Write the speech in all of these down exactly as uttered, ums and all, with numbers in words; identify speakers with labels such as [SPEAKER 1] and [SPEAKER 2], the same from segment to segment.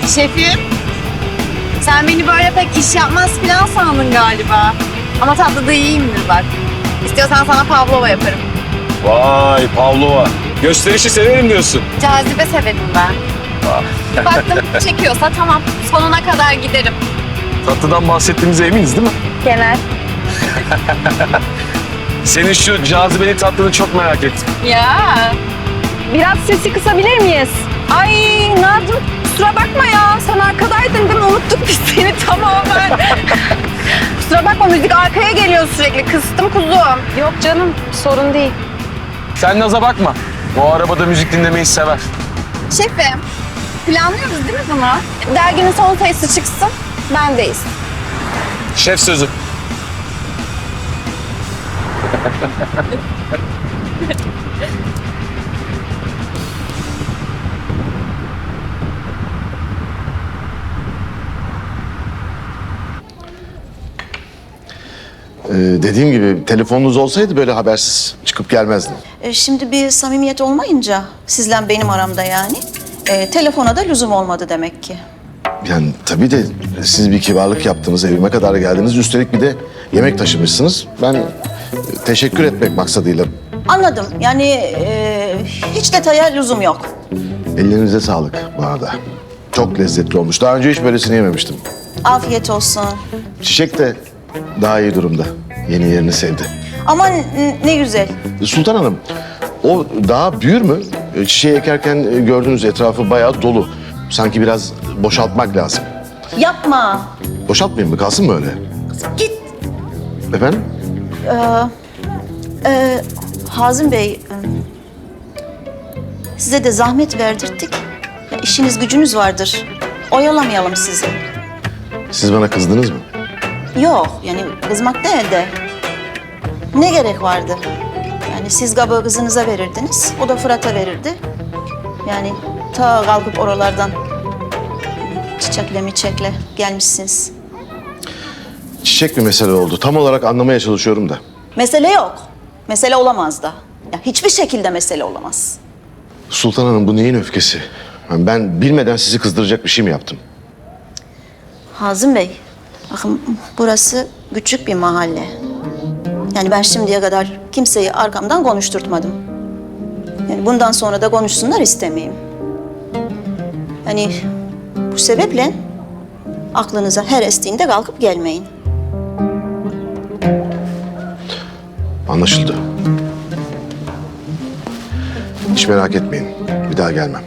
[SPEAKER 1] Şefim, sen beni böyle pek iş yapmaz falan sandın galiba. Ama tatlıda iyiyimdir bak. İstiyorsan sana pavlova yaparım.
[SPEAKER 2] Vay Pavlova. Gösterişi severim diyorsun.
[SPEAKER 1] Cazibe severim ben. Baktım çekiyorsa tamam, sonuna kadar giderim.
[SPEAKER 2] Tatlıdan bahsettiğimize eminiz değil mi?
[SPEAKER 1] Genel.
[SPEAKER 2] Senin şu cazibeli tatlını çok merak ettim.
[SPEAKER 1] Ya. Biraz sesi kısabilir miyiz? Ay Nazım, kusura bakma ya. Sen arkadaydın değil mi? Unuttuk biz seni tamamen. Kusura bakma, müzik arkaya geliyor sürekli. Kıstım kuzum. Yok canım, sorun değil.
[SPEAKER 2] Sen Naz'a bakma. Bu arabada müzik dinlemeyi sever.
[SPEAKER 1] Şefim, planlıyoruz değil mi bunu? Derginin son sayısı çıksın, bendeyiz.
[SPEAKER 2] Şef sözü.
[SPEAKER 3] Ee, dediğim gibi telefonunuz olsaydı böyle habersiz çıkıp gelmezdim.
[SPEAKER 4] E, Şimdi bir samimiyet olmayınca sizle benim aramda yani e, telefona da lüzum olmadı demek ki.
[SPEAKER 3] Yani tabii de siz bir kibarlık yaptınız, evime kadar geldiniz. Üstelik bir de yemek taşımışsınız. Ben e, teşekkür etmek maksadıyla
[SPEAKER 4] Anladım. Yani e, hiç detaya lüzum yok.
[SPEAKER 3] ellerinize sağlık bu arada. Çok lezzetli olmuş. Daha önce hiç böylesini yememiştim.
[SPEAKER 4] Afiyet olsun.
[SPEAKER 3] Çiçek de daha iyi durumda. Yeni yerini sevdi.
[SPEAKER 4] Aman ne güzel.
[SPEAKER 3] Sultan Hanım, o daha büyür mü? E, Çiçeği ekerken e, gördüğünüz etrafı bayağı dolu. Sanki biraz boşaltmak lazım.
[SPEAKER 4] Yapma.
[SPEAKER 3] Boşaltmayayım mı? Kalsın mı öyle?
[SPEAKER 4] Git.
[SPEAKER 3] Efendim?
[SPEAKER 4] E, Hazım Bey, e, size de zahmet verdirttik. Ya, işiniz gücünüz vardır. Oyalamayalım sizi.
[SPEAKER 3] Siz bana kızdınız mı?
[SPEAKER 4] Yok, yani kızmak değil de ne gerek vardı? Yani siz kabağı kızınıza verirdiniz, o da Fırat'a verirdi. Yani ta kalkıp oralardan çiçekle miçekle gelmişsiniz.
[SPEAKER 3] Çiçek bir mesele oldu. Tam olarak anlamaya çalışıyorum da.
[SPEAKER 4] Mesele yok. Mesele olamaz da. Ya hiçbir şekilde mesele olamaz.
[SPEAKER 3] Sultan Hanım, bu neyin öfkesi? Yani ben bilmeden sizi kızdıracak bir şey mi yaptım?
[SPEAKER 4] Hazım Bey, bakın burası küçük bir mahalle. Yani ben şimdiye kadar kimseyi arkamdan konuşturtmadım. Yani bundan sonra da konuşsunlar istemeyeyim. Yani bu sebeple aklınıza her estiğinde kalkıp gelmeyin.
[SPEAKER 3] Anlaşıldı. Hiç merak etmeyin. Bir daha gelmem.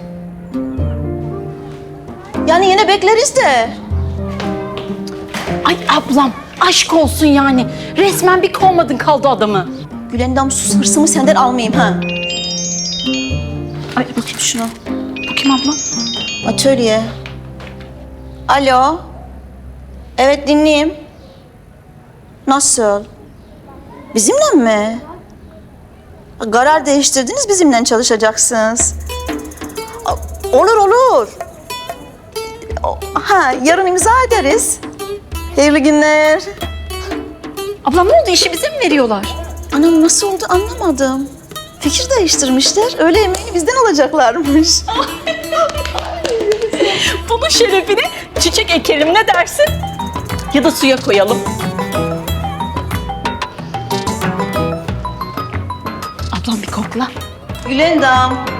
[SPEAKER 4] Yani yine bekleriz de.
[SPEAKER 5] Ay ablam aşk olsun yani. Resmen bir kovmadın kaldı adamı.
[SPEAKER 4] Gülendam sus, hırsımı senden almayayım ha.
[SPEAKER 5] Ay bakayım
[SPEAKER 4] Şunu.
[SPEAKER 5] bu kim abla?
[SPEAKER 4] Atölye. Alo. Evet dinleyeyim. Nasıl? Bizimle mi? Karar değiştirdiniz, bizimle çalışacaksınız. A- Olur olur. O- Ha, yarın imza ederiz. Hayırlı günler.
[SPEAKER 5] Ablam ne oldu, işi bize mi veriyorlar?
[SPEAKER 4] Anam nasıl oldu anlamadım. Fikir değiştirmişler. Öğle yemeğini bizden alacaklarmış.
[SPEAKER 5] Bunun şerefine çiçek ekelim, ne dersin? Ya da suya koyalım. Ablam bir kokla.
[SPEAKER 4] Gülendam.